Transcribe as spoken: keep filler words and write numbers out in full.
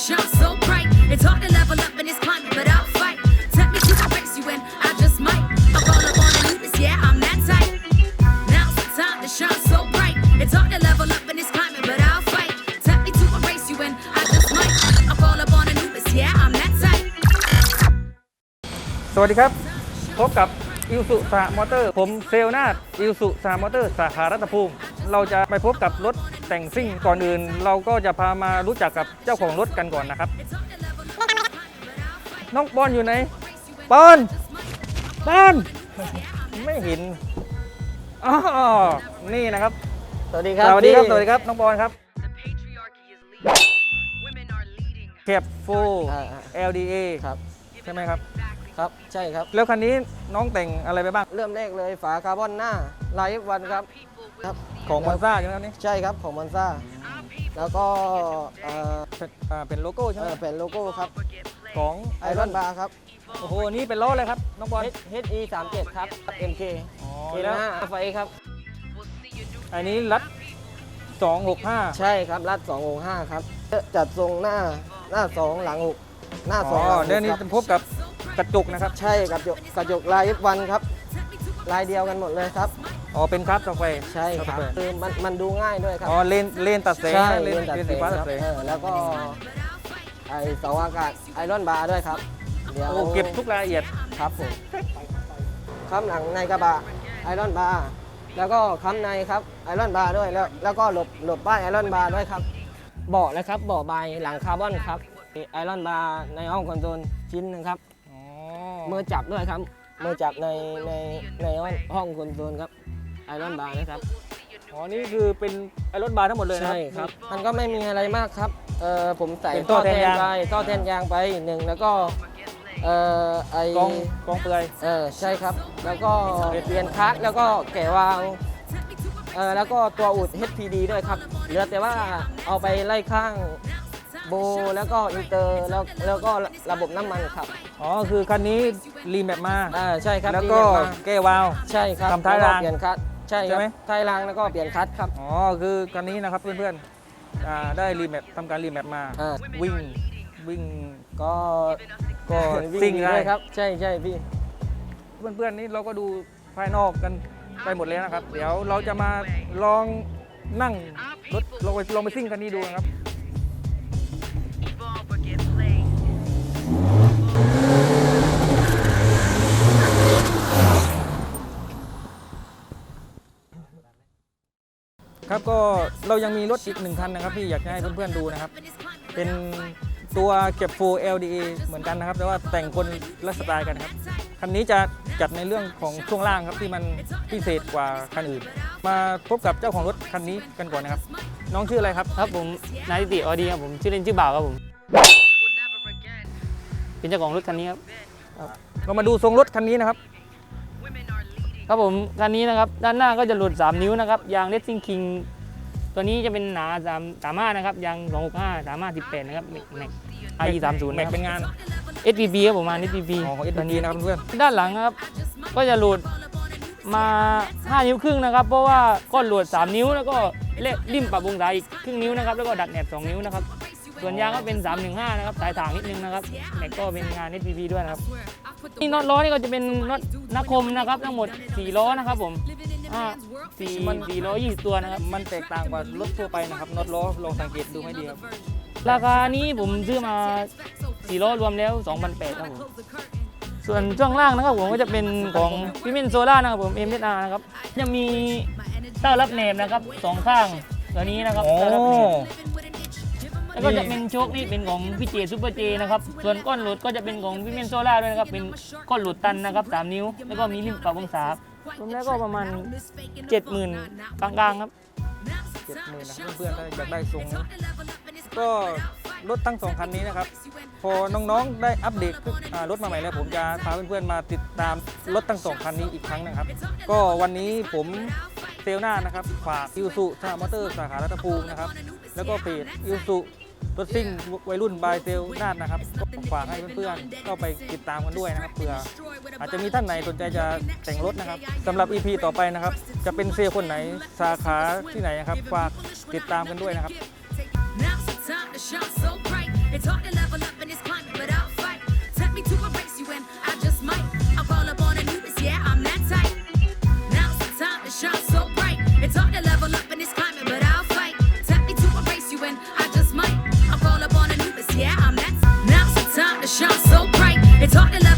shine so bright. It's hard to level up in this climate, but I'll fight. Tempt me to embrace you and I just might. I roll up on the newness, yeah, I'm that type. Now's the time to shine so bright. It's hard to level up in this climate, but I'll fight. Tempt me to embrace you and I just might. I roll up on the newness, yeah, I'm that type. สวัสดีครับพบกับอิลสุสามอเตอร์ผมเซลนาดอิลสุสามอเตอร์สาขารัตภูมิเราจะไปพบกับรถแต่งซิ่งก่อนอื่นเราก็จะพามารู้จักกับเจ้าของรถกันก่อนนะครับน้องปอนอยู่ไหนปอนปอนไม่เห็นอ๋อนี่นะครับสวัสดีครับสวัสดีครับสวัสดีครับน้องปอนครับแคปโฟ แอล ดี เอครับใช่ไหมครับครับใช่ครับแล้วคันนี้น้องแต่งอะไรไปบ้างเริ่มแรกเลยฝาคาร์บอนหน้าไลฟ์วันครับครับของมอนซ่าใช่ไหมครับนี่ใช่ครับของมอนซ่าแล้วก็เอ่อเป็นอ่าเป็นโลโก้ใช่ไหมเป็นโลโก้ครับของไอรอนบาร์ครับโอ้โหนี่เป็นล้อเลยครับน้องบอลเอช อี สามสิบเจ็ดครับ เอ็ม เคอ๋อเอ็นแล้วห้า ไฟครับอันนี้รัดสองหกห้าใช่ครับรัดสองหกห้าครับจัดทรงหน้าหน้าสองหลังหกหน้าสองอ๋อเดี๋ยวนี้จะพบกับกระจกนะครับใช่กระจกกระจกลายวันครับลายเดียวกันหมดเลยครับอ๋อเป็นคราฟสแควร์ใช่ครับคือมันมันดูง่ายด้วยครับอ๋อเลนเลนตัดแสงใช่เลนเลนสีฟ้าตัดแสงแล้วก็ไอเสาอากาศไอรอนบาร์ด้วยครับเดี๋ยวโอ้เก็บทุกรายละเอียดครับผมค้ำหลังในกระบะไอรอนบาร์แล้วก็ค้ำในครับไอรอนบาร์ด้วยแล้วแล้วก็หลบหลบป้ายไอรอนบาร์ด้วยครับเบาะนะครับเบาะใบหลังคาร์บอนครับไอรอนบาร์ในห้องคอนโซลชิ้นนึงครับมือจับด้วยครับมือจับในในในห้องคอนโซลครับไอรอนบาร์นะครับอ๋อนี่คือเป็นไอรอนบาร์ทั้งหมดเลยใช่ครับมันก็ไม่มีอะไรมากครับเออผมใส่ท่อแทนยางไปท่อแทนยางไปหนึ่งแล้วก็เออไอกองกองเปลือยเออใช่ครับแล้วก็เปลี่ยนคัสแล้วก็แกะวาล์วเออแล้วก็ตัวอุด เอช พี ดี ด้วยครับเหลือแต่ว่าเอาไปไล่ข้างโบแล้วก็อินเตอร์แล้วแล้วก็ระบบน้ำมันครับอ๋อคือคันนี้รีแมปมาอ่าใช่ครับแล้วก็แก้วาล์วใช่ครับทำท้ายรางเปลี่ยนคัสใช่ไหมท้ายรางแล้วก็เปลี่ยนคัสครับอ๋อคือคันนี้นะครับเพื่อนๆอ่าได้รีแมปทำการรีแมปมาวิ่งวิ่งก็ก็ซิ่งได้ครับใช่ใช่พี่เพื่อนๆนี่เราก็ดูภายนอกกันไปหมดแล้วนะครับเดี๋ยวเราจะมาลองนั่งรถลองไปลองไปซิ่งคันนี้ดูนะครับครับก็เรายังมีรถอีกหนึ่งคันนะครับที่อยากให้เพื่อนๆดูนะครับเป็นตัวเก็บโฟ แอล ดี เอ เหมือนกันนะครับแต่ว่าแต่งคนละสไตล์กันครับคันนี้จะจัดในเรื่องของช่วงล่างครับที่มันพิเศษกว่าคันอื่นมาพบกับเจ้าของรถคันนี้กันก่อนนะครับน้องชื่ออะไรครับครับผมนายติติออดีครับผมชื่อเล่นชื่อบ่าวครับผมเป็นเจ้าของรถคันนี้ครับเรามาดูทรงรถคันนี้นะครับครับผมคันนี้นะครับด้านหน้าก็จะหลุดสามนิ้วนะครับยางเลสซิ่งคิงตัวนี้จะเป็นหนาสามสามห้านะครับยางสองหกห้าสามห้าสิบแปดนะครับแม็กไอสามศูนย์แม็กเป็นงานเอส พี บี ครับผมมา เอส พี บีอ๋อของ เอส พี บี นะครับเพื่อนด้านหลังครับก็จะหลุดมาห้านิ้วครึ่งนะครับเพราะว่าก้อนหลุดสามนิ้วแล้วก็เละริมปรับวงศาอีกครึ่งนิ้วนะครับแล้วก็ดัดแหนบสองนิ้วนะครับส่วนยางก็เป็นสามหนึ่งห้านะครับสายถ่างนิดนึงนะครับแม็กก็เป็นงาน เอส พี บี ด้วยนะครับนี่น็อตล้อนี่ก็จะเป็นน็อตนักคมนะครับทั้งหมดสี่ล้อนะครับผมอ่าสี่มันสี่ล้อยี่สิบตัวนะครับมันแตกต่างกว่ารถทั่วไปนะครับน็อตล้อลองสังเกตดูให้ดีครับราคานี้ผมซื้อมาสี่ล้อรวมแล้ว สองพันแปดร้อย ครับผมส่วนช่วงล่างนะครับผมก็จะเป็นของพิมินโซล่านะครับผม เอ็ม เอส อาร์ นะครับยังมีเต้ารับแหนบนะครับสองข้างตัวนี้นะครับเต้ารับแหนบแล้วก็จะเป็นโชคนี่เป็นของพี่เจซูเปอร์เจนะครับส่วนก้อนหลุดก็จะเป็นของพิมินโซล่าด้วยนะครับเป็นก้อนหลุดตันนะครับสามนิ้วแล้วก็มีริมปรับวงศารวมแล้วก็ประมาณ เจ็ดหมื่น กลางๆครับเจ็ดหมื่นนะครับเพื่อนๆถ้าอยากได้ทรงนี้ก็รถทั้งสองคันนี้นะครับพอน้องๆได้อัปเดตรถมาใหม่แล้วผมจะพาเพื่อนๆมาติดตามรถทั้งสองคันนี้อีกครั้งนะครับก็วันนี้ผมเซลนานะครับฝากอิลสุสามอเตอร์สาขารัตภูมินะครับแล้วก็เพจอิลสุรถซิ่งวัยรุ่นบายเซลนาดนะครับก็ฝากให้เพื่อนๆก็ไปติดตามกันด้วยนะครับเผื่ออาจจะมีท่านไหนสนใจจะแต่งรถนะครับสำหรับ อี พี ต่อไปนะครับจะเป็นเซลคนไหนสาขาที่ไหนนะครับฝากติดตามกันด้วยนะครับ hard to level up in this climate, but I'll fight. Tempt me to embrace you and I just might. I'll call up on Anubis, yeah, I'm that type. Now's the time to shine so bright. It's hard to level up in this climate, but I'll fight. Tempt me to embrace you and I just might. I'll call up on Anubis, yeah, I'm that. Now's the time to shine so bright. It's hard to